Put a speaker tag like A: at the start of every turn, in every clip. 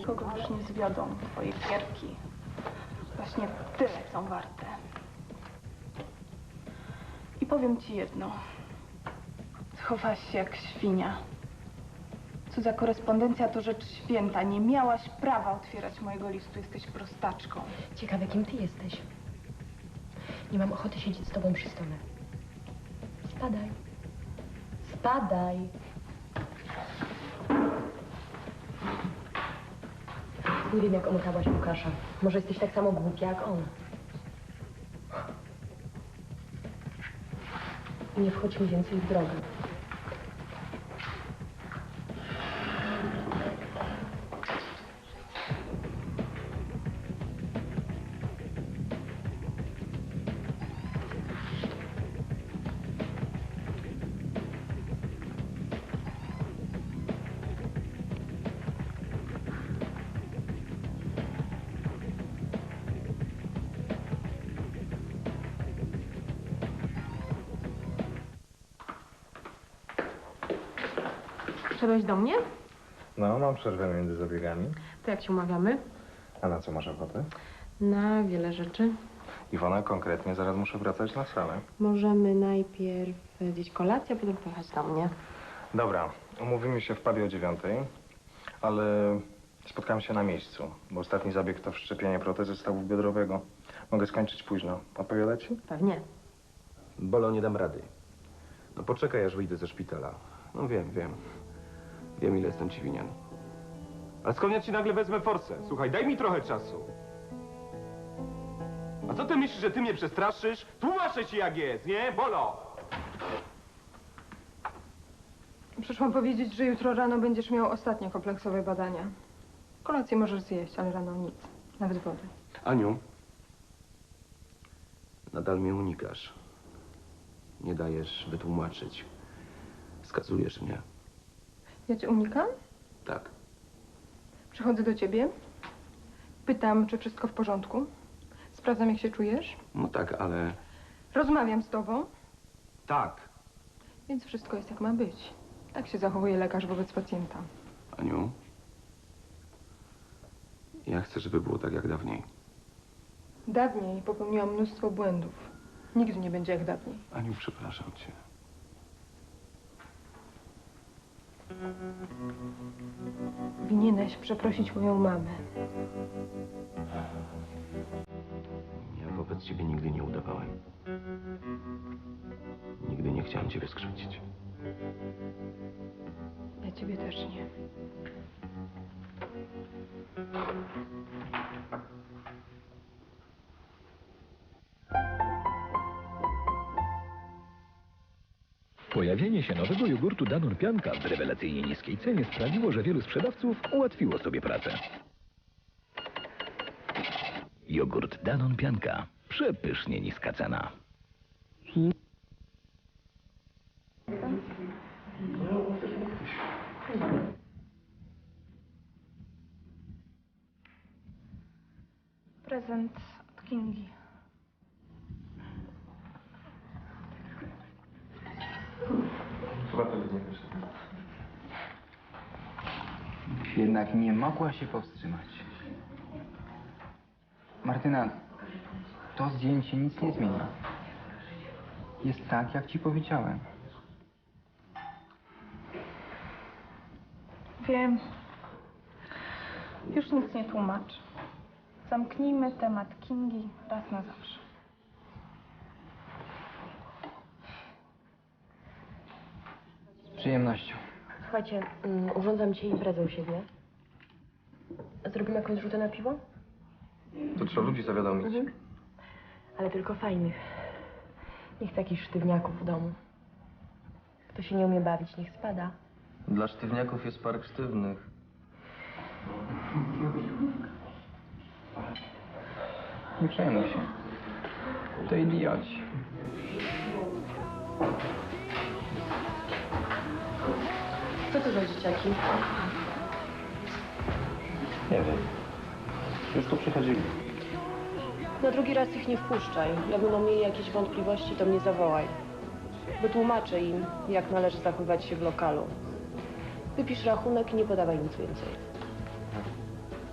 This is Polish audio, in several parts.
A: Kogo już nie zwiodą twoje gierki. Właśnie tyle są warte. I powiem ci jedno. Schowałaś się jak świnia. Cudza korespondencja to rzecz święta. Nie miałaś prawa otwierać mojego listu. Jesteś prostaczką.
B: Ciekawe, kim ty jesteś. Nie mam ochoty siedzieć z tobą przy stole. Spadaj. Spadaj. Nie wiem, jak omotałaś Łukasza. Może jesteś tak samo głupia jak on. Nie wchodź mi więcej w drogę.
C: Wszedłeś do mnie?
D: No, mam przerwę między zabiegami.
C: To jak się umawiamy?
D: A na co masz ochotę?
C: Na wiele rzeczy.
D: Iwona, konkretnie, zaraz muszę wracać na salę.
C: Możemy najpierw zjeść kolację, a potem pojechać do mnie.
D: Dobra, umówimy się w pubie o 9:00, ale spotkamy się na miejscu, bo ostatni zabieg to wszczepienie protezy stawu biodrowego. Mogę skończyć późno. Odpowiada ci?
C: Pewnie.
E: Bolo, nie dam rady. No poczekaj, aż wyjdę ze szpitala. No wiem. Wiem, ile jestem ci winien. Ale skąd ja ci nagle wezmę forsę? Słuchaj, daj mi trochę czasu. A co ty myślisz, że ty mnie przestraszysz? Tłumaczę ci, jak jest, nie? Bolo!
C: Przyszłam powiedzieć, że jutro rano będziesz miał ostatnie kompleksowe badania. Kolację możesz zjeść, ale rano nic. Nawet wody.
E: Aniu, nadal mnie unikasz. Nie dajesz wytłumaczyć. Skazujesz mnie.
C: Ja cię unikam?
E: Tak.
C: Przychodzę do ciebie. Pytam, czy wszystko w porządku. Sprawdzam, jak się czujesz.
E: No tak, ale...
C: Rozmawiam z tobą,
E: Tak.
C: więc wszystko jest jak ma być. Tak się zachowuje lekarz wobec pacjenta.
E: Aniu, ja chcę, żeby było tak jak dawniej.
C: Dawniej popełniłam mnóstwo błędów. Nigdy nie będzie jak dawniej.
E: Aniu, przepraszam cię.
C: Powinieneś przeprosić moją mamę.
E: Ja wobec ciebie nigdy nie udawałem. Nigdy nie chciałem ciebie skrzywdzić.
C: Ja ciebie też nie.
F: Pojawienie się nowego jogurtu Danone Pianka w rewelacyjnie niskiej cenie sprawiło, że wielu sprzedawców ułatwiło sobie pracę. Jogurt Danone Pianka. Przepysznie niska cena.
A: Prezent od Kingi.
D: Chyba to nie wyszło.
G: Jednak nie mogła się powstrzymać. Martyna, to zdjęcie nic nie zmieni. Jest tak, jak ci powiedziałem.
A: Wiem. Już nic nie tłumacz. Zamknijmy temat Kingi raz na zawsze.
G: Z przyjemnością.
B: Słuchajcie, urządzam dzisiaj imprezę u siebie. Zrobimy jakąś rzutę na piwo?
E: To trzeba ludzi zawiadomić.
B: Ale tylko fajnych. Nie chcę jakichś sztywniaków w domu. Kto się nie umie bawić, niech spada.
E: Dla sztywniaków jest park sztywnych.
G: Nie przejmuj się. To idioci.
B: Co to za dzieciaki?
E: Nie wiem. Już tu przychodzili.
B: Na drugi raz ich nie wpuszczaj. Jak będą mieli jakieś wątpliwości, to mnie zawołaj. Wytłumaczę im, jak należy zachowywać się w lokalu. Wypisz rachunek i nie podawaj nic więcej.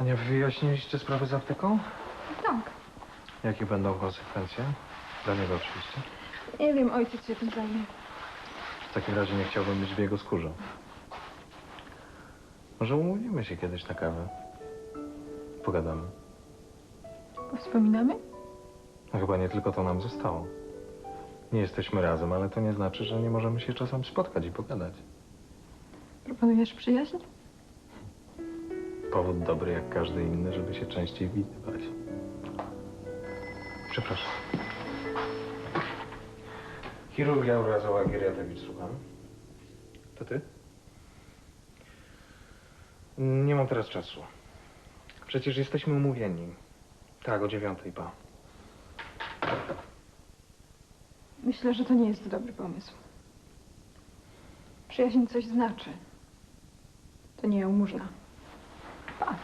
D: Ania, wyjaśniliście sprawę z apteką?
C: Tak.
D: Jakie będą konsekwencje? Dla niego oczywiście.
C: Nie wiem, ojciec się tym zajmie.
D: W takim razie nie chciałbym być w jego skórze. Może umówimy się kiedyś na kawę? Pogadamy.
C: Wspominamy?
D: No chyba nie tylko to nam zostało. Nie jesteśmy razem, ale to nie znaczy, że nie możemy się czasem spotkać i pogadać.
C: Proponujesz przyjaźń?
D: Powód dobry jak każdy inny, żeby się częściej widywać. Przepraszam. Chirurgia urazowa Geriatowicz, słucham. To ty? Nie mam teraz czasu. Przecież jesteśmy umówieni. Tak, o 9:00, pa.
C: Myślę, że to nie jest dobry pomysł. Przyjaźń coś znaczy. To nie jałmużna. Pa.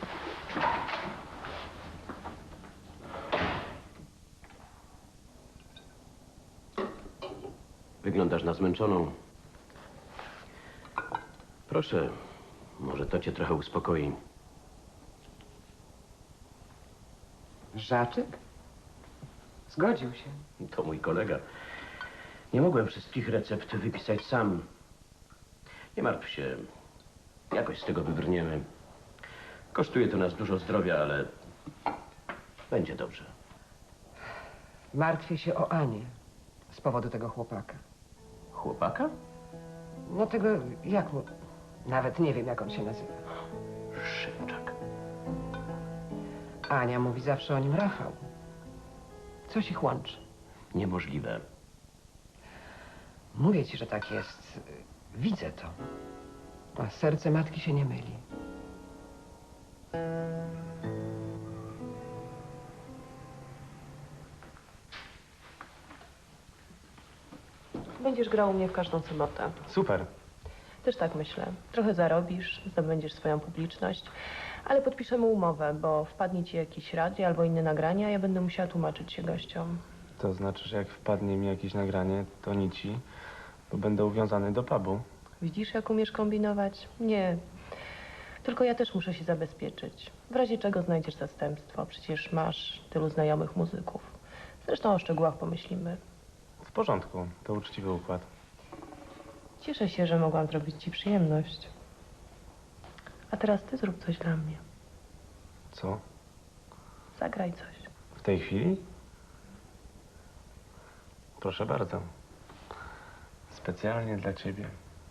H: Wyglądasz na zmęczoną. Proszę, może to cię trochę uspokoi.
I: Żaczek? Zgodził się.
H: To mój kolega. Nie mogłem wszystkich recept wypisać sam. Nie martw się. Jakoś z tego wybrniemy. Kosztuje to nas dużo zdrowia, ale będzie dobrze.
I: Martwię się o Anię z powodu tego chłopaka.
H: Chłopaka?
I: No tego, jak mu... Nawet nie wiem, jak on się nazywa.
H: Szymczak.
I: Ania mówi zawsze o nim Rafał. Coś ich łączy.
H: Niemożliwe.
I: Mówię ci, że tak jest. Widzę to. A serce matki się nie myli.
B: Będziesz grał u mnie w każdą sobotę.
D: Super.
B: Też tak myślę. Trochę zarobisz, zdobędziesz swoją publiczność, ale podpiszemy umowę, bo wpadnie ci jakiś radio albo inne nagrania, a ja będę musiała tłumaczyć się gościom.
E: To znaczy, że jak wpadnie mi jakieś nagranie, to nici, bo będę uwiązany do pubu.
B: Widzisz, jak umiesz kombinować? Nie. Tylko ja też muszę się zabezpieczyć. W razie czego znajdziesz zastępstwo. Przecież masz tylu znajomych muzyków. Zresztą o szczegółach pomyślimy.
E: W porządku, to uczciwy układ.
B: Cieszę się, że mogłam zrobić ci przyjemność. A teraz ty zrób coś dla mnie.
E: Co?
B: Zagraj coś.
E: W tej chwili? Proszę bardzo. Specjalnie dla ciebie.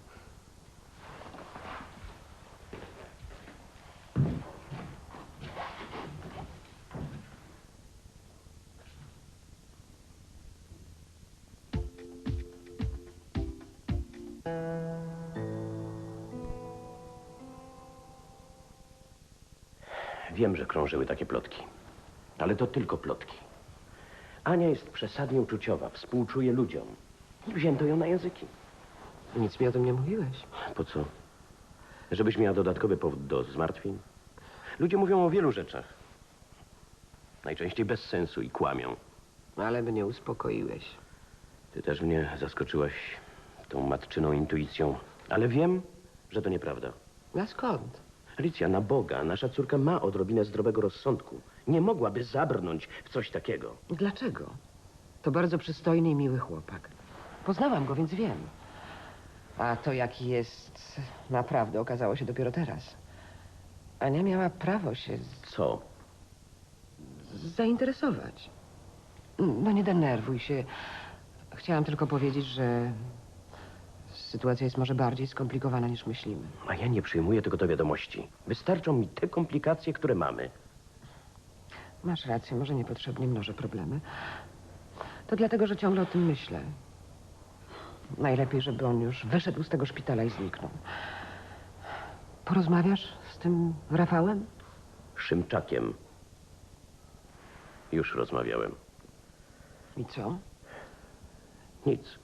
H: Wiem, że krążyły takie plotki. Ale to tylko plotki. Ania jest przesadnie uczuciowa, współczuje ludziom. I wzięto ją na języki.
I: Nic mi o tym nie mówiłeś.
H: Po co? Żebyś miała dodatkowy powód do zmartwień? Ludzie mówią o wielu rzeczach. Najczęściej bez sensu i kłamią.
I: Ale mnie uspokoiłeś.
H: Ty też mnie zaskoczyłaś tą matczyną intuicją. Ale wiem, że to nieprawda.
I: A skąd?
H: Alicja, na Boga, nasza córka ma odrobinę zdrowego rozsądku. Nie mogłaby zabrnąć w coś takiego.
I: Dlaczego? To bardzo przystojny i miły chłopak. Poznałam go, więc wiem. A to, jaki jest naprawdę, okazało się dopiero teraz. Ania miała prawo się
H: Co?
I: zainteresować. No nie denerwuj się. Chciałam tylko powiedzieć, że sytuacja jest może bardziej skomplikowana niż myślimy.
H: A ja nie przyjmuję tego do wiadomości. Wystarczą mi te komplikacje, które mamy.
I: Masz rację, może niepotrzebnie mnożę problemy. To dlatego, że ciągle o tym myślę. Najlepiej, żeby on już wyszedł z tego szpitala i zniknął. Porozmawiasz z tym Rafałem?
H: Szymczakiem. Już rozmawiałem.
I: I co?
H: Nic.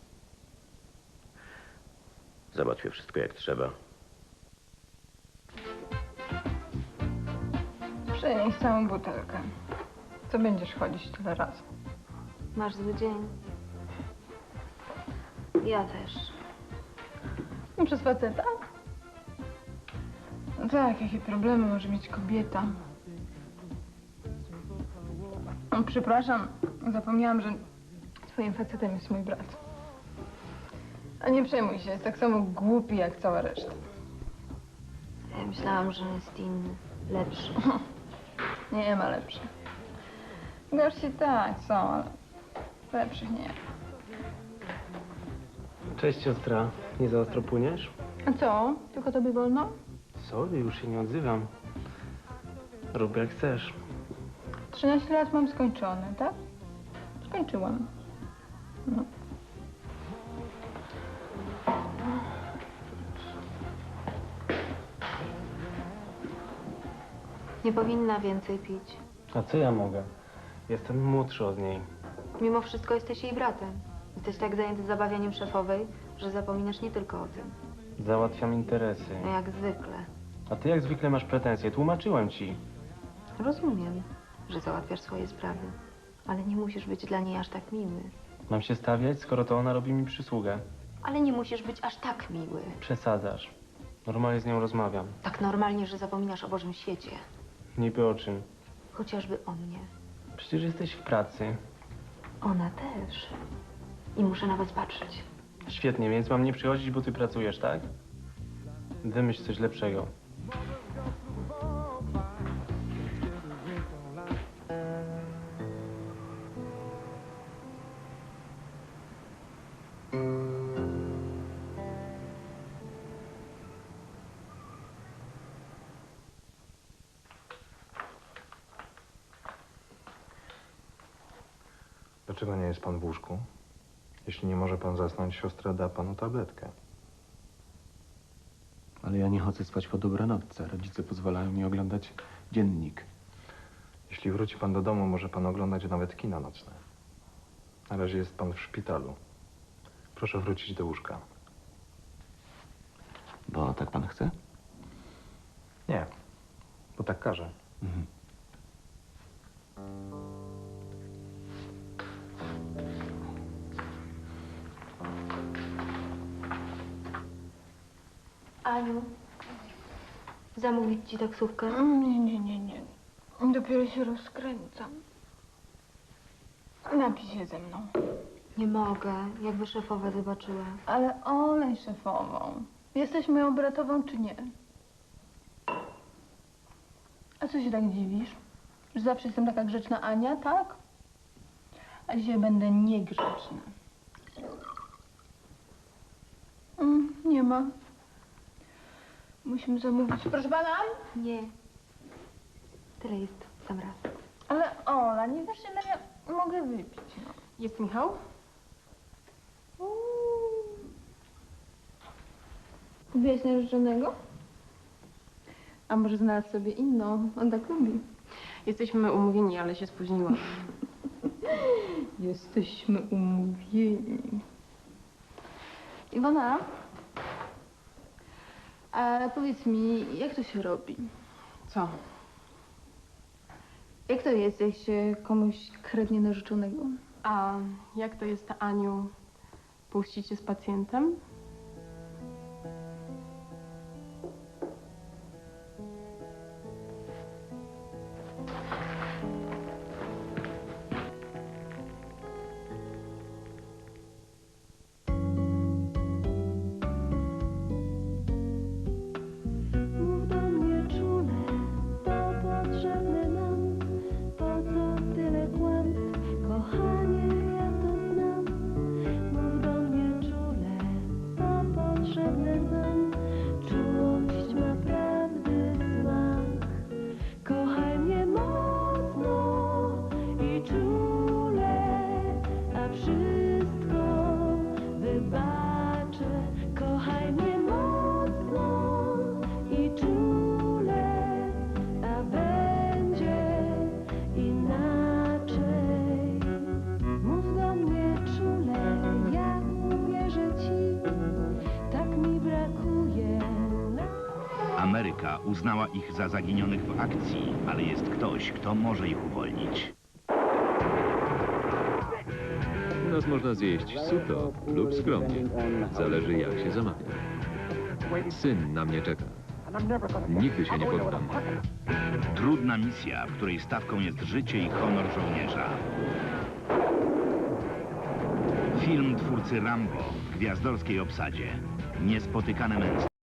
H: Załatwię wszystko jak trzeba.
C: Przynieś całą butelkę. Co będziesz chodzić tyle razy?
J: Masz zły dzień. Ja też.
C: Przez faceta?
A: No tak, jakie problemy może mieć kobieta? No, przepraszam, zapomniałam, że twoim facetem jest mój brat. A nie przejmuj się, jest tak samo głupi jak cała reszta.
J: Ja myślałam, że jest inny, lepszy.
A: Nie ma lepszych. Gorsi tak są, ale lepszych nie.
K: Cześć siostra, nie za ostro płyniesz?
A: A co? Tylko tobie wolno?
K: Sorry, już się nie odzywam. Rób jak chcesz.
A: 13 lat mam skończone, tak? Skończyłam. No.
J: Nie powinna więcej pić.
K: A co ja mogę? Jestem młodszy od niej.
J: Mimo wszystko jesteś jej bratem. Jesteś tak zajęty zabawianiem szefowej, że zapominasz nie tylko o tym.
K: Załatwiam interesy.
J: No jak zwykle.
K: A ty jak zwykle masz pretensje. Tłumaczyłem ci.
J: Rozumiem, że załatwiasz swoje sprawy. Ale nie musisz być dla niej aż tak miły.
K: Mam się stawiać, skoro to ona robi mi przysługę.
J: Ale nie musisz być aż tak miły.
K: Przesadzasz. Normalnie z nią rozmawiam.
J: Tak normalnie, że zapominasz o Bożym świecie.
K: Niby o czym?
J: Chociażby o mnie.
K: Przecież jesteś w pracy.
J: Ona też. I muszę na was patrzeć.
K: Świetnie, więc mam nie przychodzić, bo ty pracujesz, tak? Wymyśl coś lepszego.
D: Dlaczego nie jest pan w łóżku? Jeśli nie może pan zasnąć, siostra da panu tabletkę.
E: Ale ja nie chodzę spać po dobranocce. Rodzice pozwalają mi oglądać dziennik.
D: Jeśli wróci pan do domu, może pan oglądać nawet kino nocne. Na razie jest pan w szpitalu. Proszę wrócić do łóżka.
E: Bo tak pan chce?
D: Nie, bo tak każe.
E: Mhm.
J: Aniu, zamówić ci taksówkę?
A: Nie. Dopiero się rozkręcam. Napij się ze mną.
J: Nie mogę, jakby szefowa zobaczyła.
A: Ale olej szefową. Jesteś moją bratową, czy nie? A co się tak dziwisz? Że zawsze jestem taka grzeczna Ania, tak? A dzisiaj będę niegrzeczna. Nie ma. Musimy zamówić. Proszę pana?
J: Nie. Tyle jest w sam raz.
A: Ale Ola, nie wiesz, ile ja mogę wypić. No.
C: Jest Michał?
A: Kupiłeś narzeczonego? A może znalazł sobie inną? On tak lubi.
C: Jesteśmy umówieni, ale się spóźniłam.
A: Jesteśmy umówieni. Iwona, a powiedz mi, jak to się robi?
C: Co?
A: Jak to jest, jak się komuś kradnie narzeczonego?
C: A jak to jest, Aniu, puścić się z pacjentem?
L: Mów do mnie czule, to potrzebne nam. Po co tyle kłamstw, kochanie, ja to znam. Mów do mnie czule, to potrzebne nam. Czułość ma prawdy smak. Kochaj mnie mocno i czule, a wszystko wybaczę. Kochaj mnie mocno i czule, a będzie inaczej. Mów do mnie czule, ja uwierzę ci, tak mi brakuje.
M: Ameryka uznała ich za zaginionych w akcji, ale jest ktoś, kto może ich uwolnić.
N: U nas można zjeść sucho lub skromnie. Zależy, jak się zamawia. Syn na mnie czeka. Nigdy się nie poddam.
M: Trudna misja, w której stawką jest życie i honor żołnierza. Film twórcy Rambo w gwiazdorskiej obsadzie. Niespotykane męstwo.